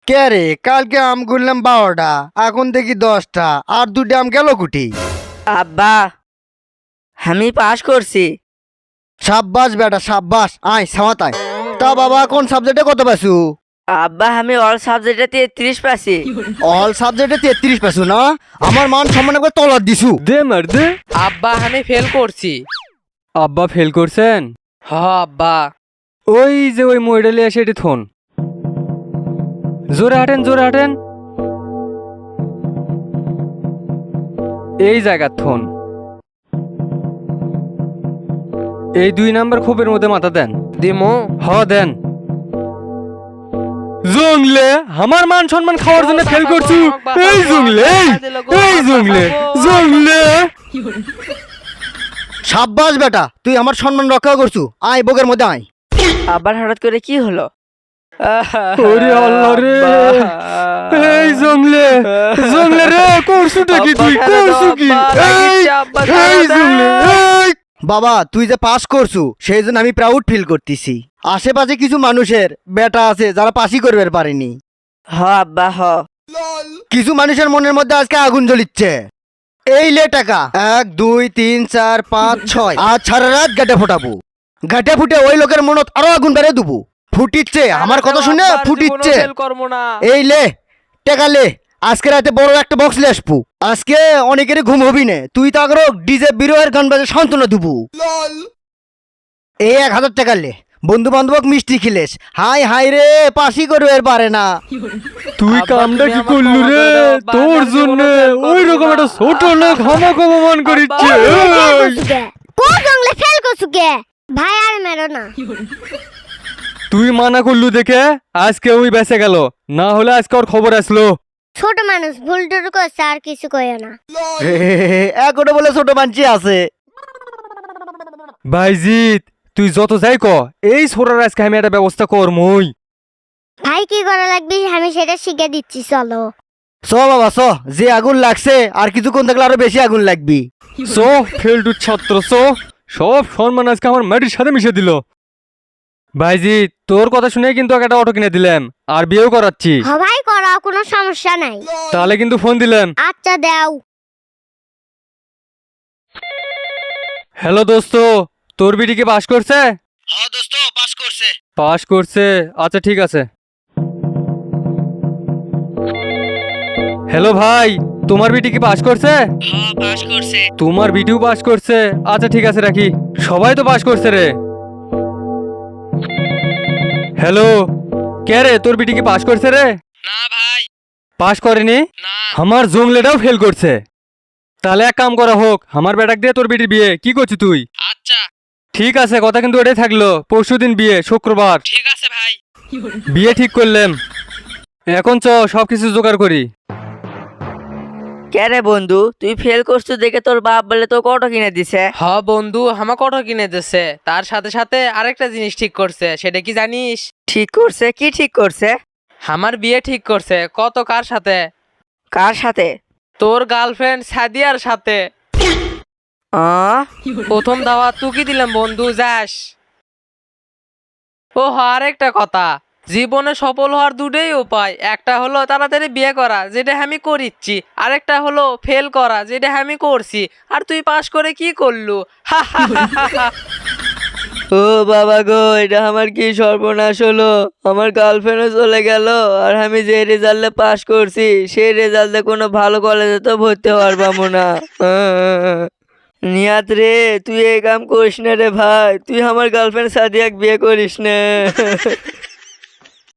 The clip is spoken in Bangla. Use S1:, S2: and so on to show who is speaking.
S1: কে রে, কালকে আম গুনলাম 12টা, এখন দেখি 10টা, আর 2টা আম গেল কুটি।
S2: আব্বা, আমি পাস করছি।
S1: সাব্বাস বেটা সাব্বাস, আয় সামাতায়। তা বাবা কোন সাবজেক্টে কত পাইছু?
S2: আব্বা, আমি অল সাবজেক্টে 33 পাইছি।
S1: অল সাবজেক্টে 33 পাইছু না? আমার মান সম্মান একবার তলার দিছু।
S3: দে মার দে।
S4: আব্বা আমি ফেল করছি।
S3: আব্বা ফেল করছেন?
S4: হ আব্বা।
S3: ওই যে ওই মডেলে এসে এটি থন। জোরে হাঁটেন জোরে হাঁটেন। এই জায়গা থন। এই 2 নাম্বার খোপের মধ্যে মাথা দেন।
S4: দিমু।
S3: হ দেন। জংলে আমার মান সম্মান খাওয়ার জন্য ফেল করছু। এই জংলে এই জংলে জংলে।
S1: সাব্বাস বেটা, তুই আমার সম্মান রক্ষা করছু। আয় বগের মধ্যে আয়।
S2: আবার হঠাৎ করে কি হলো?
S3: ওরে আল্লাহ রে। এই জংলে জংলে রে, করছুটা কি তুই? করছু কি? এই জংলে এই।
S1: বাবা তুই যে পাস করছু সেই জন্য আমি প্রাউড ফিল করতেছি। আশেপাশে কিছু মানুষের বেটা আছে যারা পাসই করবে পারেনি।
S2: হ আব্বা হ।
S1: কিছু মানুষের মনের মধ্যে আজকে আগুন জ্বলিচ্ছে। এই লে টাকা 1 2 3 4 5 6, আজ সারা রাত গাটে ফোটাবো। গাটে ফুটে ওই লোকের মনত আরো আগুন বেড়ে দেবো। ফুটিচ্ছে আমার কথা শুনে ফুটিচ্ছে। এই লে টাকা লে, আজকে রাতে বড় একটা বক্স লে আসবো। আজকে অনেকেরই ঘুম হবি না, তুই তো আগর ডিজে বিরোহের গান বাজে সান্ত্বনা দেবো। এই 1000 টাকা লে, বন্ধু বান্ধবক মিষ্টি খিলেস। হাই হাই রে, পাসি করবে পারে না।
S3: তুই কামটা কি করলু রে? তোর জন্য ওই রকম একটা ছোট লোক আমাকে অপমান করিচ্ছে।
S5: কোন জঙ্গলে ফেল করছুকে? ভাই আর মেরো না।
S3: তুই মানা করলু দেখে আজকে ওই বেঁচে গেল, না হলে আজকে ওর খবর আসলো।
S5: ছোট মানুষ ভুল টুল করছে, আর কিছু কইও না।
S1: এখনো বলে ছোট মানছি আছে।
S3: ভাইজিৎ তুই যত যাই ক, এই ছোড়ার আজকে আমি একটা ব্যবস্থা করমই।
S5: ভাই কি করা লাগবে আমি সেটা শিখে দিচ্ছি, চলো।
S1: চ বাবা চ, যে আগুন লাগছে আর কিছুক্ষণ থাকলে আরো বেশি আগুন লাগবি।
S3: সো ফেলটু ছাত্র সো, সব সম্মান আজকে আমার মাটির সাথে মিশে দিল। ভাইজিৎ তোর কথা শুনে কিন্তু ওকে একটা অটো কিনে দিলাম, আর বিয়েও করাচ্ছি।
S5: ভাই করো, কোনো সমস্যা নাই।
S3: তাহলে কিন্তু ফোন দিলাম।
S5: আচ্ছা দাও।
S3: হ্যালো দোস্ত, তোর বিটি কি পাস করছে?
S1: হ্যাঁ দোস্ত, পাস করছে।
S3: পাস করছে, আচ্ছা ঠিক আছে। হ্যালো ভাই, তোমার বিটি কি পাস করছে?
S2: হ্যাঁ পাস করছে।
S3: তোমার বিটিও পাস করছে, আচ্ছা ঠিক আছে রাখি। সবাই তো পাস করছে রে। হ্যালো, কে রে, তোর বিটি কি পাস করছে রে?
S2: না ভাই।
S3: পাস করেনি?
S2: না।
S3: আমার জংলেটাও ফেল করছে। তাহলে এক কাম করা হোক, আমার বেটাক দিয়ে তোর বিটির বিয়ে, কি করছিস তুই?
S2: আচ্ছা
S3: ঠিক আছে, কথা কিন্তু ওটাই থাকলো। পরশুদিন বিয়ে, শুক্রবার।
S2: ঠিক আছে ভাই।
S3: বিয়ে ঠিক করলাম। এখন চ সবকিছু জোগাড় করি।
S2: কে রে বন্ধু, তুই ফেল করছিস দেখে তোর বাপ বলে তোকে অটো কিনে দিছে?
S4: হ বন্ধু, আমাকে অটো কিনে দিছে। তার সাথে সাথে আরেকটা জিনিস ঠিক করছে, সেটা কি জানিস?
S2: ঠিক করছে? কি ঠিক করছে?
S4: আমার বিয়ে ঠিক করছে। কত কার সাথে?
S2: কার সাথে?
S4: তোর গার্লফ্রেন্ড সাদিয়ার সাথে। প্রথম দাওয়াত তুই দিলাম বন্ধু, যাস। ও আরেকটা কথা, জীবনে সফল হওয়ার দুটোই উপায়। একটা হলো তাড়াতাড়ি বিয়ে করা, যেটা আমি করিচ্ছি। আরেকটা হলো ফেল করা, যেটা আমি করছি। আর তুই পাস করে কি করলু?
S2: ও বাবা গো, এটা আমার কি সর্বনাশ হলো। আমার গার্লফ্রেন্ডও চলে গেল, আর আমি যে রেজাল্টে পাস করছি সেই রেজাল্টে কোনো ভালো কলেজে তো ভর্তি হওয়ার পাবো না। নিয়াত রে, তুই এই কাম করিস না রে ভাই। তুই আমার গার্লফ্রেন্ড সাদিয়াক বিয়ে করিস না।